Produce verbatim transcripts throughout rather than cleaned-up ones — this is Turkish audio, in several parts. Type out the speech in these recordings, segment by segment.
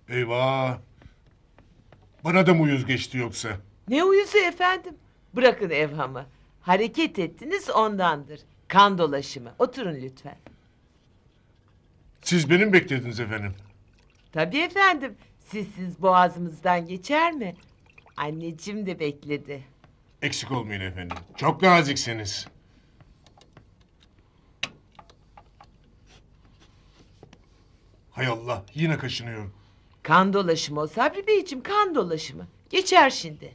Eyvah. Bana da mı uyuz geçti yoksa? Ne uyuzu efendim? Bırakın evhamı. Hareket ettiniz ondandır. Kan dolaşımı. Oturun lütfen. Siz benim beklediniz efendim. Tabii efendim. Sizsiz boğazımızdan geçer mi? Anneciğim de bekledi. Eksik olmayın efendim. Çok naziksiniz. Hay Allah, yine kaşınıyorum. Kan dolaşımı o Sabri Beyciğim, kan dolaşımı. Geçer şimdi.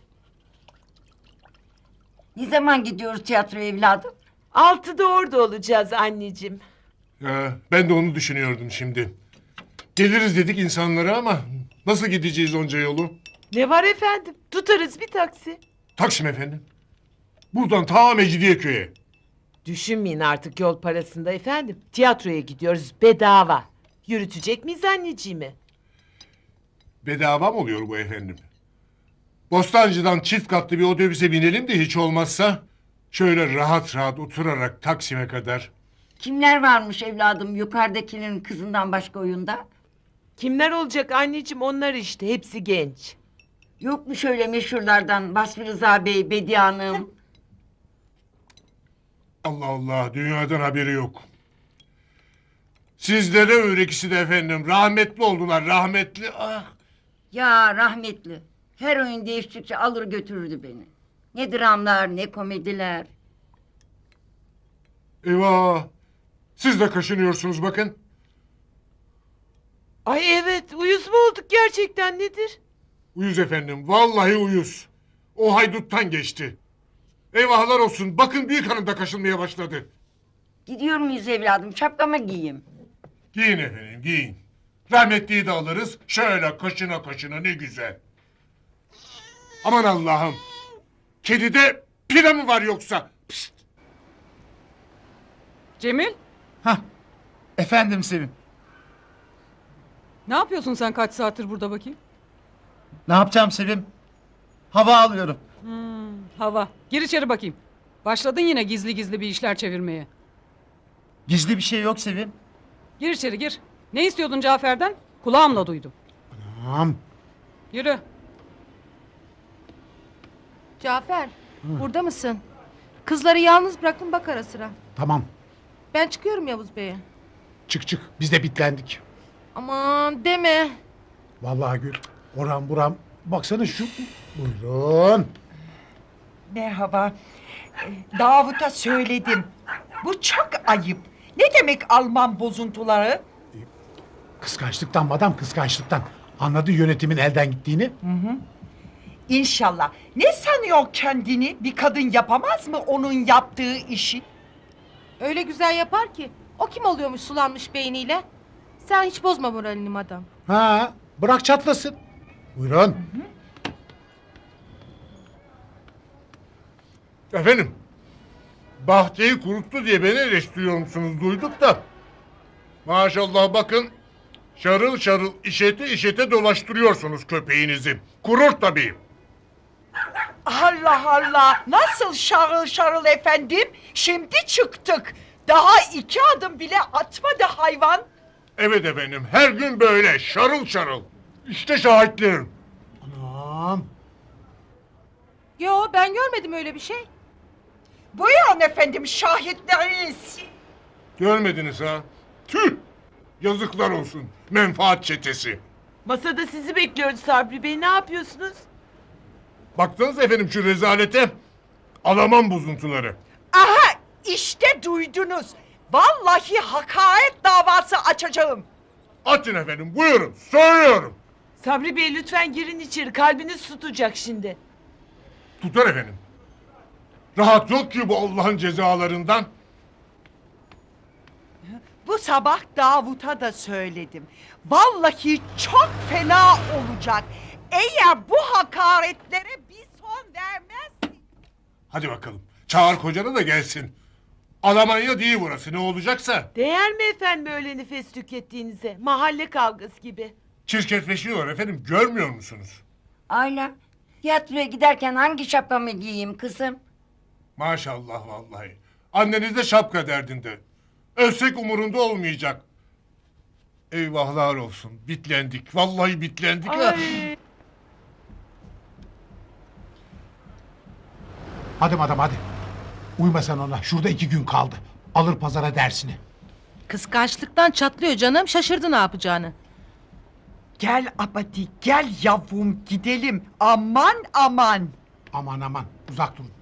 Ne zaman gidiyoruz tiyatroya evladım? Altıda orada olacağız anneciğim. Ya, ben de onu düşünüyordum şimdi. Geliriz dedik insanlara ama nasıl gideceğiz onca yolu? Ne var efendim? Tutarız bir taksi. Taksim efendim. Buradan ta Mecidiyeköy'e. Düşünmeyin artık yol parasında efendim. Tiyatroya gidiyoruz bedava. Yürütecek miyiz anneciğimi? Bedava mı oluyor bu efendim? Bostancı'dan çift katlı bir otobüse binelim de hiç olmazsa... ...şöyle rahat rahat oturarak Taksim'e kadar. Kimler varmış evladım yukarıdakilerin kızından başka oyunda? Kimler olacak anneciğim, onlar işte, hepsi genç. Yok mu şöyle meşhurlardan Basri Rıza Bey, Bediye Hanım? Allah Allah, dünyadan haberi yok. Sizlere öyle ikisi de efendim. Rahmetli oldular, rahmetli. Ah. Ya rahmetli. Her oyun değiştikçe alır götürürdü beni. Ne dramlar ne komediler. Eyvah. Siz de kaşınıyorsunuz bakın. Ay evet, uyuz mu olduk gerçekten, nedir? Uyuz efendim, vallahi uyuz. O hayduttan geçti. Eyvahlar olsun, bakın büyük hanım da kaşınmaya başladı. Gidiyor muyuz evladım şapkamı giyeyim. Giyin efendim, giyin. Rahmetliyi de alırız, şöyle kaşına kaşına ne güzel. Aman Allah'ım. Kedide pire mi var yoksa? Pst. Cemil, Hah, efendim Sevim. ne yapıyorsun sen kaç saattir burada bakayım? Ne yapacağım Sevim? Hava alıyorum. Hmm, hava. Gir içeri bakayım. Başladın yine gizli gizli bir işler çevirmeye. Gizli bir şey yok Sevim. Gir içeri gir. Ne istiyordun Cafer'den? Kulağımla duydum. Tamam. Yürü. Cafer, burada mısın? Kızları yalnız bıraktım, bak ara sıra. Tamam. Ben çıkıyorum Yavuz Bey'e. Çık çık. Biz de bitlendik. Aman deme. Vallahi Gül. Oram buram. Baksana şu. Buyurun. Merhaba. Ee, Davut'a söyledim. Bu çok ayıp. Ne demek Alman bozuntuları? Kıskançlıktan madam kıskançlıktan. Anladı yönetimin elden gittiğini. İnşallah. Ne sanıyor kendini? Bir kadın yapamaz mı onun yaptığı işi? Öyle güzel yapar ki. O kim oluyormuş sulanmış beyniyle? Sen hiç bozma moralini madam. Ha, bırak çatlasın. Buyurun. Efendim. Bahçeyi kuruttu diye beni eleştiriyor musunuz duyduk da. Maşallah bakın. Şarıl şarıl işete işete dolaştırıyorsunuz köpeğinizi. Kurur tabii. Allah Allah. Nasıl şarıl şarıl efendim? Şimdi çıktık. Daha iki adım bile atmadı hayvan. Evet efendim, her gün böyle şarıl şarıl. İşte şahitlerim. Anam. Yo, ben görmedim öyle bir şey. Buyurun efendim şahitleriniz. Görmediniz ha? Tüh! Yazıklar olsun. Menfaat çetesi. Masada sizi bekliyoruz Sabri Bey, ne yapıyorsunuz? Baktınız efendim şu rezalete. Alaman bozuntuları. Aha işte duydunuz. Vallahi hakaret davası açacağım. Atın efendim, buyurun. Söylüyorum. Sabri Bey lütfen girin içeri, kalbiniz tutacak şimdi. Tutar efendim. Rahat yok ki bu Allah'ın cezalarından. Bu sabah Davut'a da söyledim. Vallahi çok fena olacak. Eğer bu hakaretlere bir son vermezsin. Hadi bakalım. Çağır kocanı da gelsin. Almanya değil burası, ne olacaksa. Değer mi efendim öyle nefes tükettiğinize? Mahalle kavgası gibi. Çirkefleşiyor efendim, görmüyor musunuz? Ayla tiyatroya giderken hangi şapkamı giyeyim kızım? Maşallah vallahi. Anneniz de şapka derdinde. Ölsek umurunda olmayacak. Eyvahlar olsun. Bitlendik. Vallahi bitlendik ha. Ay. Hadi madam hadi. Uyma sen ona. Şurada iki gün kaldı. Alır pazara dersini. Kıskançlıktan çatlıyor canım. Şaşırdı ne yapacağını. Gel Abadi gel yavrum gidelim. Aman aman. Aman aman uzak durun.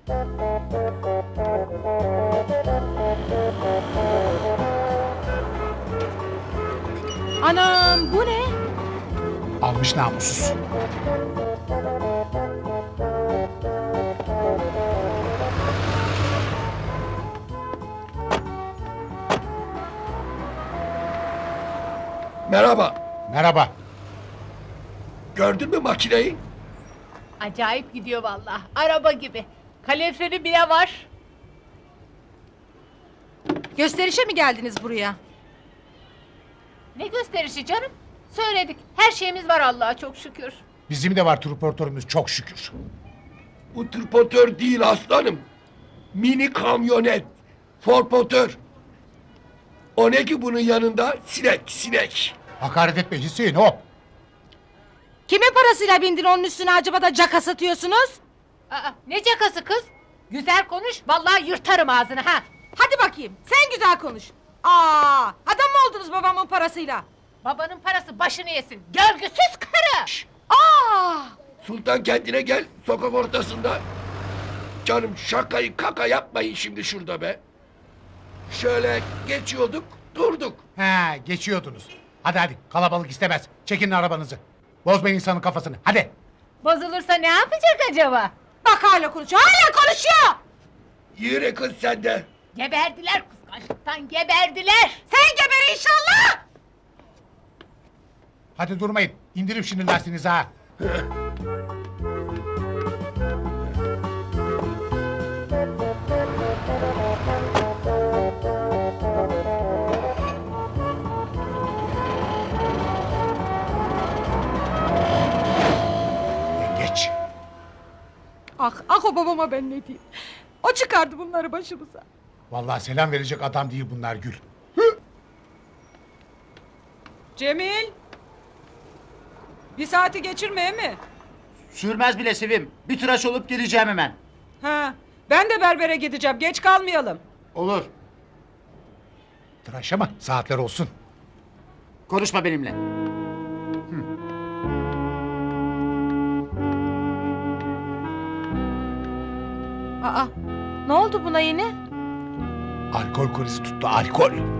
Anam bu ne? Almış namussuz. Merhaba. Merhaba. Gördün mü makineyi? Acayip gidiyor vallahi. Araba gibi. Kaloriferi bile var. Gösterişe mi geldiniz buraya? Ne gösterişi canım? Söyledik. Her şeyimiz var Allah'a çok şükür. Bizim de var transportörümüz çok şükür. Bu tırpotör değil aslanım. Mini kamyonet. Forpotör. O ne ki bunun yanında? Sinek, sinek. Hakaret etme Hüseyin hop. Kimin parasıyla bindin onun üstüne acaba da caka satıyorsunuz? Aa, ne cakası kız? Güzel konuş. Vallahi yırtarım ağzını ha. Hadi bakayım sen güzel konuş. Aa, adam mı oldunuz babamın parasıyla? Babanın parası başını yesin. Görgüsüz karı. Aa! Sultan kendine gel sokak ortasında. Canım şakayı kaka yapmayın şimdi şurada be. Şöyle geçiyorduk durduk. He geçiyordunuz. Hadi hadi kalabalık istemez. Çekin arabanızı. Bozmayın insanın kafasını hadi. Bozulursa ne yapacak acaba? Bak hala konuşuyor hala konuşuyor. Yürü kız sen de. Geberdiler kıskançlıktan geberdiler. Sen geber inşallah. Hadi durmayın. İndirin şimdi lastiğinizi ha. Geç. Ah ah o babama ben ne diyeyim. O çıkardı bunları başımıza. Vallahi selam verecek adam değil bunlar Gül. Cemil. Bir saati geçirmeye mi? Sürmez bile Sevim. Bir tıraş olup geleceğim hemen. Ha, ben de berbere gideceğim. Geç kalmayalım. Olur. Tıraş ama saatler olsun. Konuşma benimle. Aa, ne oldu buna yine? Alkol krizi tuttu alkol.